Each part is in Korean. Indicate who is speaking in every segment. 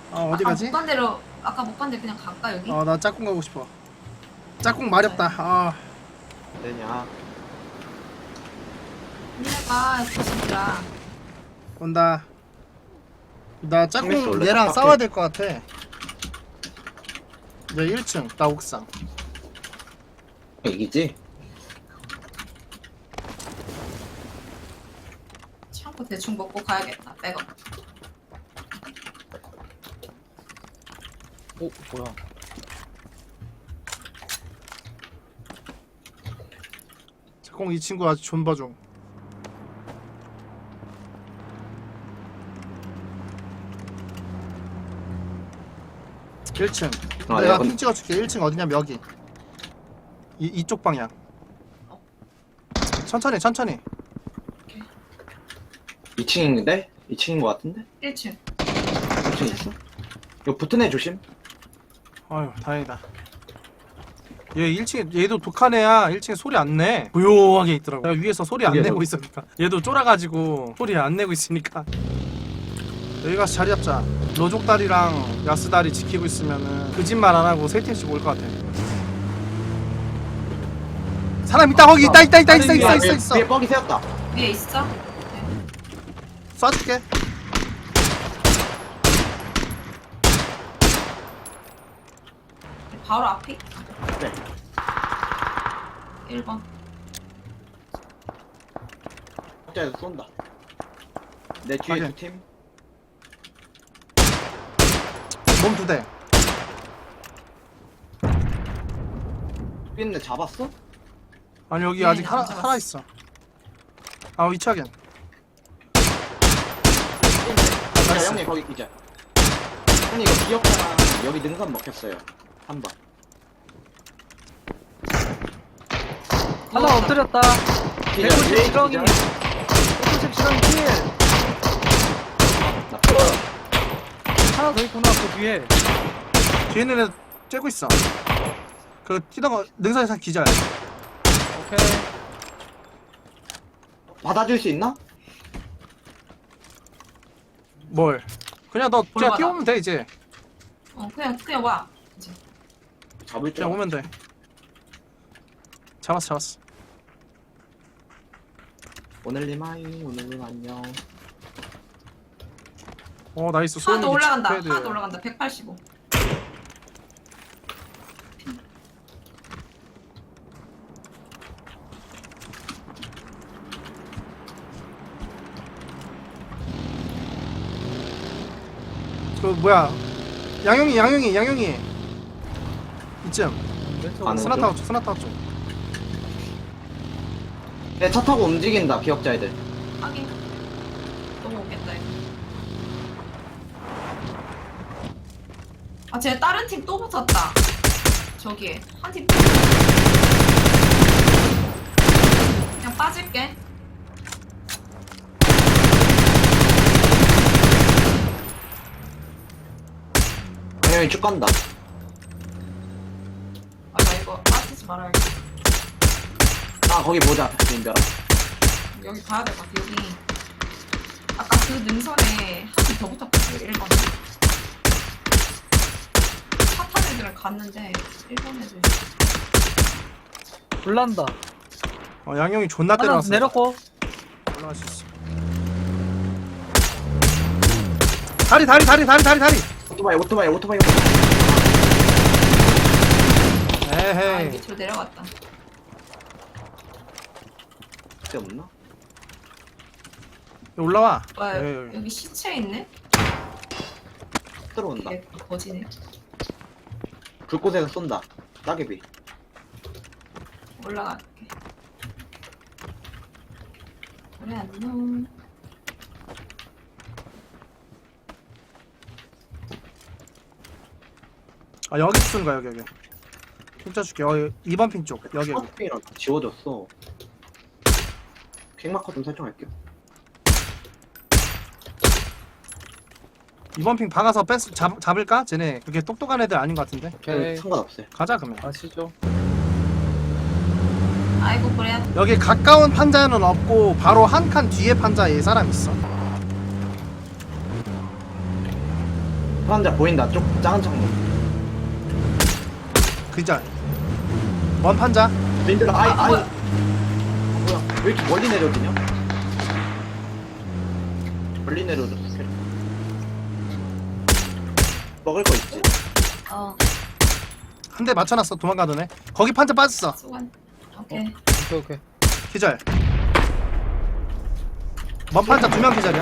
Speaker 1: 어디
Speaker 2: 아까
Speaker 1: 가지?
Speaker 2: 못 간 대로 아까 못 간 데 그냥 갈까 여기?
Speaker 1: 나 짝꿍 가고 싶어. 짝꿍 마렵다.
Speaker 3: 되냐?
Speaker 2: 니네가 조심들아.
Speaker 1: 온다. 나
Speaker 3: 상민씨
Speaker 1: 짝꿍
Speaker 3: 원래
Speaker 1: 얘랑
Speaker 3: 딱
Speaker 1: 싸워야 될 것 같아. 얘 1층, 나 옥상.
Speaker 3: 이기지?
Speaker 2: 참고 대충 먹고 가야겠다. 백업.
Speaker 4: 뭐야?
Speaker 1: 짝꿍 이 친구 아주 존버 중. (1층)
Speaker 3: 아,
Speaker 1: 내가
Speaker 3: 야,
Speaker 1: 핑 찍어줄게. 1층 어디냐면 여기 이쪽 방향. 천천히
Speaker 3: 2층인데? 2층인 것 같은데?
Speaker 2: 1층.
Speaker 3: 2층 있어? 이거 붙은 애 조심.
Speaker 1: 아유 다행이다. 얘 1층에 얘도 독한 애야. 1층에 소리 안 내. 조용하게 있더라고. 내가 위에서 소리 안
Speaker 3: 그게
Speaker 1: 내고 있으니까 얘도 쫄아가지고 소리 안 내고 있으니까 여기 가서 자리 잡자. 로족다리랑 야스다리 지키고 있으면은 거짓말 안 하고 세 팀씩 올 것 같아. 사람 있다. 거기 있다. 있어.
Speaker 3: 위에 뻑이 세웠다.
Speaker 2: 위에 있어?
Speaker 1: 쏴줄게.
Speaker 2: 바로 앞이?
Speaker 3: 네.
Speaker 2: 1번.
Speaker 3: 각자에서 쏜다. 내 뒤에
Speaker 1: 확인.
Speaker 3: 두 팀.
Speaker 1: 몸 2대.
Speaker 3: 있는데 잡았어?
Speaker 1: 아니 여기
Speaker 2: 네,
Speaker 1: 아직
Speaker 2: 안 잡았어.
Speaker 1: 하나 있어. 위치하겐.
Speaker 3: 야,
Speaker 1: 나이스.
Speaker 3: 형님 거기 기자. 형님 이거 기억자랑 여기 능선 먹혔어요. 한 번.
Speaker 4: 하나 엎드렸다.
Speaker 3: 기자,
Speaker 4: 190
Speaker 3: 위에
Speaker 4: 지렁이.
Speaker 3: 기자.
Speaker 4: 190 지렁이 킬.
Speaker 3: 나 풀어.
Speaker 4: 하나 더 있구나 그 뒤에.
Speaker 1: 뒤에 있는 애 쬐고 있어. 그 뛰다가 능선에서 기절.
Speaker 4: 오케이.
Speaker 3: 받아줄 수 있나?
Speaker 1: 뭘? 그냥 너 그냥
Speaker 2: 올라가다.
Speaker 1: 뛰어오면 돼 이제.
Speaker 2: 그냥 와. 이제.
Speaker 3: 잡을 줄
Speaker 1: 그냥
Speaker 3: 알아.
Speaker 1: 오면 돼. 잡았어.
Speaker 3: 오늘님 하이, 오늘님 안녕.
Speaker 1: 나이스.
Speaker 2: 하나 더
Speaker 1: 소음기
Speaker 2: 올라간다.
Speaker 1: 체크패드.
Speaker 2: 하나 더 올라간다. 185.
Speaker 1: 그 뭐야? 양용이. 이쯤.
Speaker 3: 가는
Speaker 1: 스나타워 쪽.
Speaker 3: 내 차 타고 움직인다, 기억자 애들.
Speaker 2: 확인. 너무 오겠다 이거. 쟤 다른 팀 또 붙었다. 저기에 한 팀. 그냥 빠질게.
Speaker 3: 형이 쭉 간다.
Speaker 2: 나 이거 빠지지 말아야겠다.
Speaker 3: 거기 보자, 인별아.
Speaker 2: 여기 가야 될 것 같아. 여기 아까 그 능선에 한 팀 더 붙었거든. 1번에. 차 탄 애들은 갔는데 1번 애들.
Speaker 4: 불난다.
Speaker 1: 양용이 존나
Speaker 4: 하나
Speaker 1: 때려놨어.
Speaker 4: 내렸고.
Speaker 1: 올라갈 수 있어. 다리.
Speaker 3: 오토바이.
Speaker 1: 에헤이.
Speaker 2: 밑으로 내려갔다.
Speaker 3: 그때 없나?
Speaker 1: 올라와.
Speaker 2: 와,
Speaker 1: 에이.
Speaker 2: 여기 시체 있네?
Speaker 3: 들어온다.
Speaker 2: 이게 거지네.
Speaker 3: 불꽃에서 쏜다. 따개비.
Speaker 2: 올라갈게. 그래, 안녕.
Speaker 1: 여기 쓰는 거야 여기. 핑 쳐줄게. 2번 핑 쪽. 여기.
Speaker 3: 스마트핑이랑 지워졌어. 핑마커 좀 설정할게요.
Speaker 1: 2번 핑 박아서 잡을까? 쟤네 그렇게 똑똑한 애들 아닌 것 같은데.
Speaker 4: 오케이.
Speaker 3: 상관없어요.
Speaker 1: 가자 그러면.
Speaker 4: 아시죠?
Speaker 2: 아이고, 그래.
Speaker 1: 여기 가까운 판자는 없고 바로 한 칸 뒤에 판자에 사람 있어.
Speaker 3: 사람들 보인다. 쪽 작은 창문.
Speaker 1: 그자. 원 판자.
Speaker 3: 민들아, 아이.
Speaker 2: 뭐야?
Speaker 3: 뭐야? 왜 이렇게 멀리 내려지냐? 멀리 내려졌어. 먹을 거 있지?
Speaker 1: 한 대 맞춰놨어. 도망가더네. 거기 판자 빠졌어.
Speaker 2: 수관. 오케이.
Speaker 4: 오케이.
Speaker 1: 기절. 원 판자 2명 기절이야.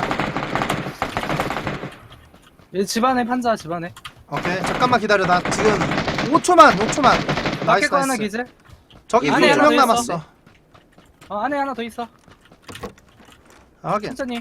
Speaker 4: 얘 집안에 판자 집안에.
Speaker 1: 오케이. 잠깐만 기다려. 나 지금 5초만.
Speaker 4: 밖에
Speaker 1: 나이스
Speaker 4: 거 하나
Speaker 1: 나이스.
Speaker 4: 기절.
Speaker 1: 저기
Speaker 3: 안에
Speaker 1: 2명
Speaker 3: 하나
Speaker 4: 더
Speaker 1: 남았어.
Speaker 4: 안에 하나 더 있어.
Speaker 1: 아, 확인.
Speaker 4: 천천히.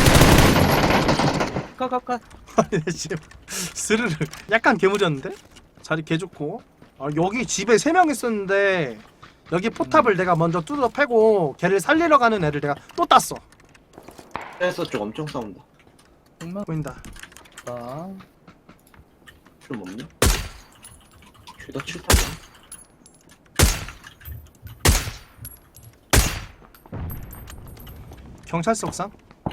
Speaker 4: 컷.
Speaker 1: 스르르. 약간 개무졌는데? 자리 개 좋고. 아, 여기 집에 3명 있었는데 여기 포탑을 내가 먼저 뚫어 패고 걔를 살리러 가는 애를 내가 또 땄어.
Speaker 3: 그래서 쪽 엄청 싸운다.
Speaker 4: 정말.
Speaker 1: 보인다.
Speaker 4: 아.
Speaker 3: 좀 없냐? 죄다 7타야.
Speaker 1: 경찰서 옥상.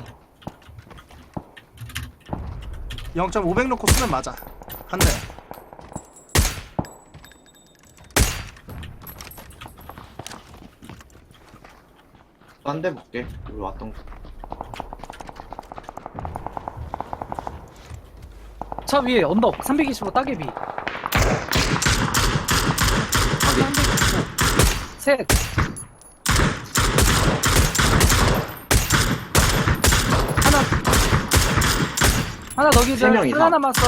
Speaker 1: 0.500 놓고 쓰면 맞아. 한 대.
Speaker 3: 딴 데 볼게. 우리 왔던 거.
Speaker 4: 차 위에 언덕 325 따개비. 325. 셋. 하나 더 기절.
Speaker 3: 세 명 이상.
Speaker 4: 하나 남았어.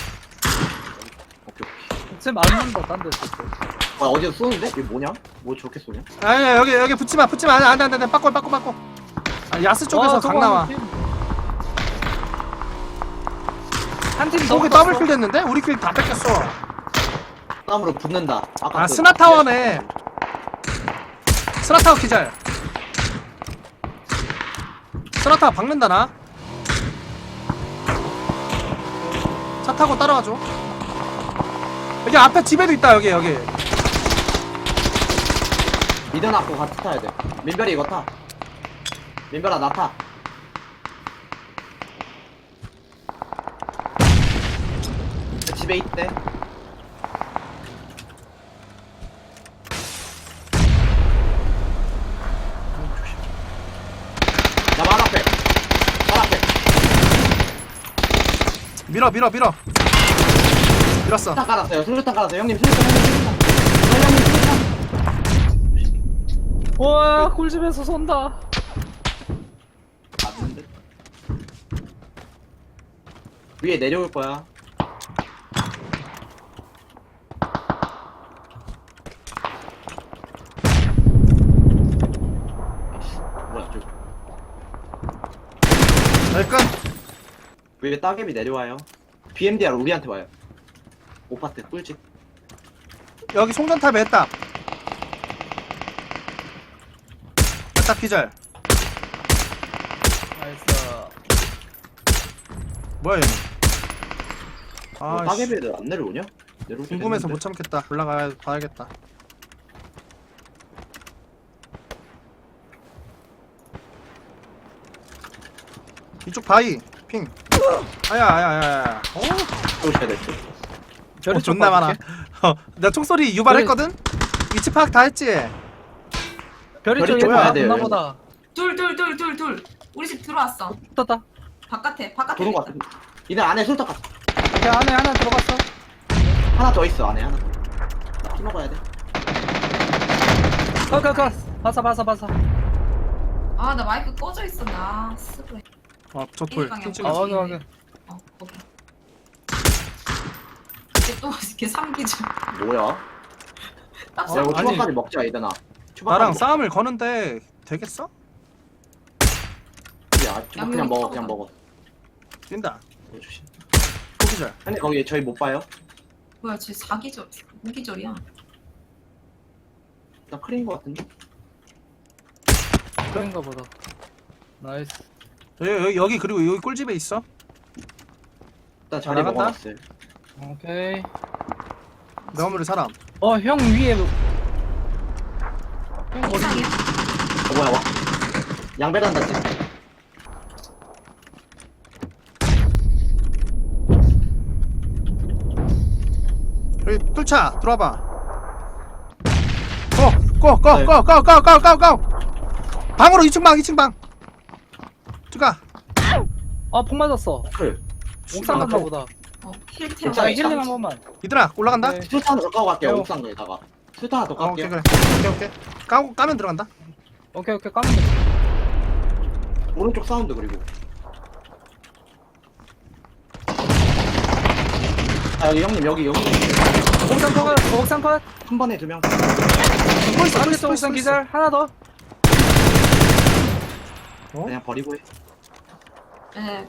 Speaker 3: 오케이.
Speaker 4: 쟤 맞는다 딴 데.
Speaker 3: 아, 어디서 쏘는데? 이게 뭐냐? 뭐 저렇게 쏘냐?
Speaker 1: 아니 여기 붙지마. 안돼. 빠꼴. 아, 야스 쪽에서 강 나와.
Speaker 4: 한팀 더.
Speaker 1: 저기 더블킬 됐는데? 우리 킬 다 뺏겼어.
Speaker 3: 땀으로 붙는다. 아까
Speaker 1: 아,
Speaker 3: 그-
Speaker 1: 스나타워네. 스나타워 기절. 스나타워 박는다 나. 차 타고 따라와줘. 여기 앞에 집에도 있다. 여기.
Speaker 3: 미드 놨고 같이 타야 돼. 민별이 이거 타. 민별아 나 타. 집에 있대. 나 말 앞에. 말 앞에.
Speaker 1: 밀어. 밀었어.
Speaker 3: 수류탄 깔았어요. 수류탄 깔았어요. 형님 수류탄. 형님 수류탄.
Speaker 4: 와 꿀집에서 쏜다.
Speaker 3: 맞는데? 위에 내려올 거야. 뭐야 저기.
Speaker 1: 여기끝.
Speaker 3: 위에 따개비 내려와요. BMDR 우리한테 와요. 오파트 꿀집.
Speaker 1: 여기 송전탑에 했다. 했다 기절.
Speaker 4: 나이스.
Speaker 1: 뭐야 얘는.
Speaker 3: 뭐
Speaker 1: 아,
Speaker 3: 따개비 애들 안 내려오냐? 내려올 때
Speaker 1: 궁금해서
Speaker 3: 됐는데.
Speaker 1: 못 참겠다. 올라가 봐야겠다. 이쪽 바위 핑. 아야.
Speaker 3: 오셔야 될 듯.
Speaker 1: 별이 존나 많아. 나 총소리 유발했거든. 위치 파악 다 했지.
Speaker 4: 별이
Speaker 3: 별이
Speaker 4: 쪽에
Speaker 3: 좀 와야 돼요,
Speaker 4: 있나 보다.
Speaker 2: 둘. 우리 집 들어왔어.
Speaker 4: 떴다.
Speaker 2: 바깥에
Speaker 3: 도는 거
Speaker 2: 있다.
Speaker 3: 같은데. 이날 안에 술떡 갔어.
Speaker 4: 그 안에 하나 들어갔어.
Speaker 3: 하나 더 있어 안에 하나 더. 피 먹어야 돼.
Speaker 4: 컷. 봤어.
Speaker 2: 아, 나 마이크 꺼져 있어. 나 쓰고 해.
Speaker 1: 저 돌.
Speaker 2: 방향.
Speaker 1: 핑
Speaker 4: 아
Speaker 1: 찍었어.
Speaker 4: 확인.
Speaker 2: 거기. 걔또 이렇게 삼기죠.
Speaker 3: 뭐야?
Speaker 2: 딱
Speaker 3: 야 이거
Speaker 1: 아니.
Speaker 3: 추박까지 먹자 이대나.
Speaker 1: 나랑 싸움을 거는데 되겠어?
Speaker 3: 야 추박 그냥 먹어 그냥 먹어.
Speaker 1: 뛴다.
Speaker 3: 이거 조심.
Speaker 1: 포기절.
Speaker 3: 근데 거기 저희 못 봐요?
Speaker 2: 뭐야, 쟤 4기절, 5기절이야.
Speaker 3: 나 크린 거 같은데?
Speaker 4: 그런가 보다. 나이스.
Speaker 1: 여기 그리고 여기 꿀집에 있어.
Speaker 3: 일단 자리
Speaker 1: 나간다?
Speaker 3: 먹어놨어요.
Speaker 4: 오케이.
Speaker 1: 내 건물에 사람.
Speaker 4: 형 위에. 형 어디?
Speaker 2: 이상해.
Speaker 3: 뭐야 와. 양배란 닿지?
Speaker 1: 여기 뚫자 들어와봐. 고! 방으로 2층 방 2층 방. 들어가.
Speaker 4: 아폭 맞았어.
Speaker 3: 그
Speaker 4: 옥상 갔나 보다.
Speaker 2: 힐
Speaker 4: 자
Speaker 2: 태워.
Speaker 3: 옥상에
Speaker 4: 힐링 한 번만.
Speaker 1: 얘들아 올라간다.
Speaker 4: 네.
Speaker 3: 술탄 더 까고 갈게요.
Speaker 4: 어.
Speaker 3: 옥상에다가 술탄 하나 더
Speaker 1: 오케이
Speaker 3: 깔게요.
Speaker 1: 그래. 오케이. 까면 들어간다.
Speaker 4: 오케이 까면 돼.
Speaker 3: 오른쪽 사운드 그리고. 아 여기 형님 여기
Speaker 4: 옥상 컷.
Speaker 3: 한 번에 2명.
Speaker 1: 또 있어.
Speaker 4: 안에서 옥상 기절 하나 더.
Speaker 1: 어?
Speaker 3: 그냥 버리고 해.
Speaker 2: 네.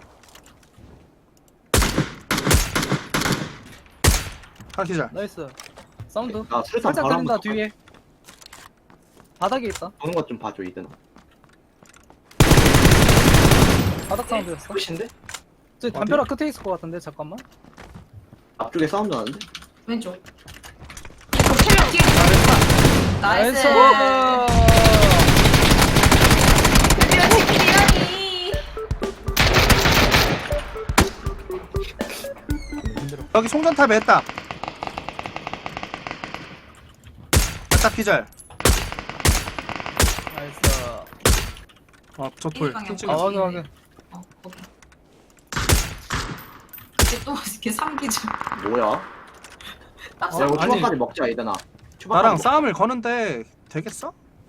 Speaker 1: 아 기절.
Speaker 4: 나이스. 사운드.
Speaker 3: 나 술탄
Speaker 4: 살짝
Speaker 3: 바로
Speaker 4: 들린다
Speaker 3: 한번
Speaker 4: 뒤에. 바닥에 있다.
Speaker 3: 보는 것 좀 봐줘 이든.
Speaker 4: 바닥 사운드였어.
Speaker 3: 끝인데?
Speaker 4: 저 담벼락 끝에 있을 것 같은데 잠깐만.
Speaker 3: 앞쪽에 사운드 나는데?
Speaker 2: 왼쪽. 이거 3명 뒤에 있어. 나이스. 드디어 치킨이라니.
Speaker 1: 여기 송전탑에 했다. 했다 기절.
Speaker 4: 나이스.
Speaker 1: 저 돌.
Speaker 2: 방향.
Speaker 1: 핑
Speaker 4: 아
Speaker 1: 찍었어.
Speaker 4: 확인 확인.
Speaker 2: 거기. 이게 또 이렇게 삼기죠.
Speaker 3: 뭐야?
Speaker 2: 딱
Speaker 3: 야 이거
Speaker 1: 아니.
Speaker 3: 추박까지 먹자 이든아.
Speaker 1: 나랑 싸움을 거는데 되겠어?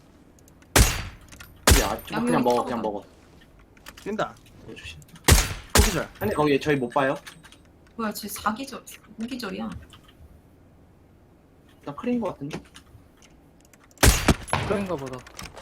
Speaker 3: 야 추박 그냥 먹어 그냥 먹어.
Speaker 1: 뛴다.
Speaker 3: 조심.
Speaker 1: 또 기절.
Speaker 3: 근데 거기 저희 못 봐요?
Speaker 2: 뭐야, 쟤 4기절, 5기절이야.
Speaker 3: 나 크린 거 같은데?
Speaker 4: 그런가 보다.